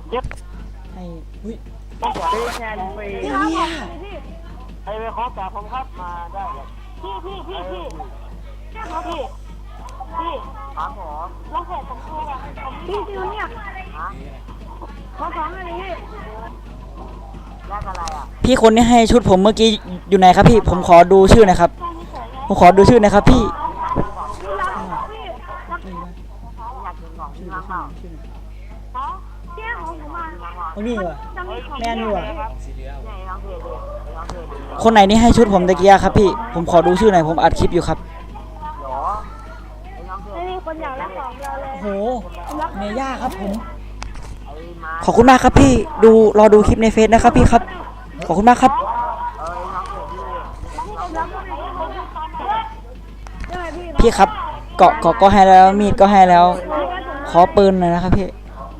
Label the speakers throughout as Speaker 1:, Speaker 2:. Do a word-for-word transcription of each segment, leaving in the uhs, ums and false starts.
Speaker 1: เจ็บ
Speaker 2: ให้อุ้ย
Speaker 1: ต้องขอได้แทนฟรี
Speaker 2: ไอ้เนี่ย
Speaker 1: ไอ้ไปขอจากผมครับมาได้เลยพี่พี่พี่พี่พี่พี่ครับผมลองเพจผมดูอ่ะพี่ดิวเนี่ยฮะขอของอะไรพี่แลกอะไรอ่ะ
Speaker 2: พี่คนนี้ให้ชุดผมเมื่อกี้อยู่ไหนครับพี่ผมขอดูชื่อหนะครับผมขอดูชื่อนะครับพี่เอานี่วะแม่นี่วะคนไหนนี่ให้ชุดผมตะกี้ครับพี่ผมขอดูชื่อหน่อยผมอัดคลิปอยู่ครับ
Speaker 1: ไม่มีคนอยากแลกของเราเลย
Speaker 2: โอ้โหเมย่าครับผมขอบคุณมากครับพี่ดูรอดูคลิปในเฟซนะครับพี่ครับขอบคุณมากครับพี่ครับเกาะเกาะก็ให้แล้วมีดก็ให้แล้วขอปืนหน่อยนะครับพี่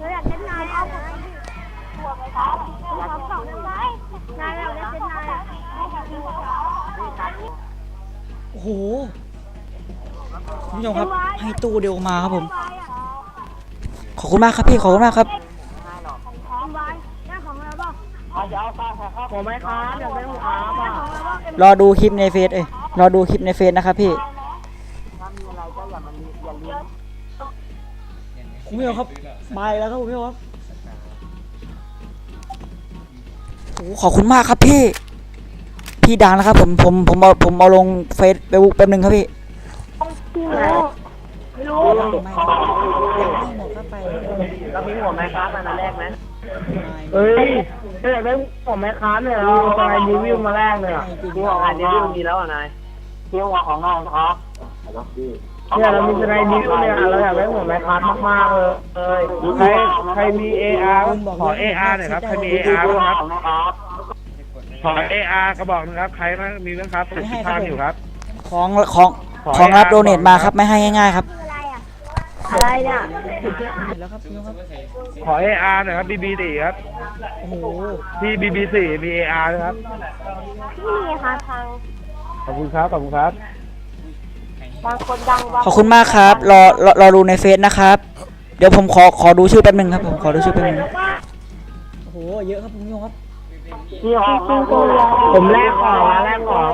Speaker 2: โอ้โหคุณผู้ชมครับให้ตู้เดียวมาครับผมขอบคุณมากครับพี่ขอบคุณมากครับ
Speaker 1: ผมไม่ค้าเดี๋ยวไม่ต้องค้าป่ะ
Speaker 2: รอดูคลิปในเฟซเอ้ยรอดูคลิปในเฟซนะครับพี่
Speaker 1: ถ้ามีอะไรก็อย่ามันอย่าเลี้ยง
Speaker 2: คุณผู้ชมครับมาแล้วครับคุณผู้ชมครับโอ้ขอบคุณมากครับพี่พี่ดังนะครับผมผมผมเอาผมเอาลงเฟซไปบุ๊กแป๊บนึงครับพี่
Speaker 1: พี่ไม่รู้ไม่รู้ไม่หมดก็ไปเรามีหัวไม้ค้ามาแรกไหมเฮ้ยถ้าอยากได้หัวไม้ค้าเนี่ยเราจะไปรีวิวมาแรกเลยอ่ะที่ของงานรีวิวมีแล้วอ่ะนายที่หัวของน้องครับเนี่ยเรามีสไลด์นิ้วเนี่ยเราอยากได้หัวไม้ค้ามากๆเลยใครใครมี เอ อาร์ ขอ เอ อาร์ หน่อยครับใครมี เอ อาร์ บ้างครับขอ เอ อาร์ กระบอกนึงครับใครบ้างมีบ้างครับติดตามอยู่ครับ
Speaker 2: ของของของรับโดเนทมาครับไม่ให้ง่ายๆครับ
Speaker 1: อะไรเนี่ย
Speaker 2: แล้วครับพี่ครับ
Speaker 3: ขอ เอ อาร์ หน่อยครับ บี บี สี่ครับ
Speaker 2: โอ้โห
Speaker 3: พี่ บี บี สี่ มี เอ อาร์ นะครับ
Speaker 1: พี่มีค่ะทาง
Speaker 3: ขอบคุณครับขอบคุณครับ
Speaker 1: บางคนดัง
Speaker 2: ขอบคุณมากครับรอรอรอดูในเฟซนะครับเดี๋ยวผมขอขอดูชื่อแป๊บนึงครับผมขอดูชื่อแป๊บนึงโอ้โหเยอะครับคุณผู้ชมครับ
Speaker 1: นี่ของผมแลกของนะแลกของ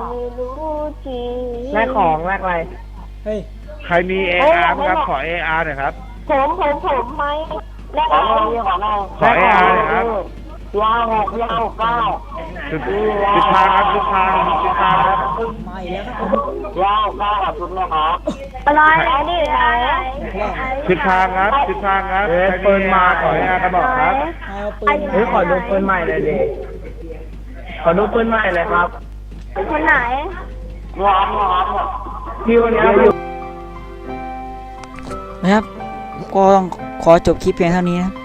Speaker 1: แลกของแลกอะไร
Speaker 2: เฮ้ย
Speaker 3: ใครมี เอ อาร์ ครับขอ เอ อาร์ หน่อยครับ
Speaker 1: ผมผมผมไหมแลกอะไรของเรา
Speaker 3: ขอ เอ อาร์ หน่อยครับ
Speaker 1: ยาวหกยาวเก้า
Speaker 3: จุดจุดทางครับจุดทางจุดทางครับ
Speaker 2: มาอีกแล้วครับ
Speaker 1: ยาวเก้าจุดนะครับอะไรอันนี้อะไร
Speaker 3: จุดทางครับจุดทางครับใครมีมาขอ เอ อาร์ กระบอกครับ
Speaker 1: เฮ้ยขอดูปืนใหม่เลยดิขอดูปืนใหม่เลยครับคนไหนร้อนร้อนพี่วันนี้อยู่
Speaker 2: นะครับก็ต้องขอจบคลิปเพียงเท่านี้นะ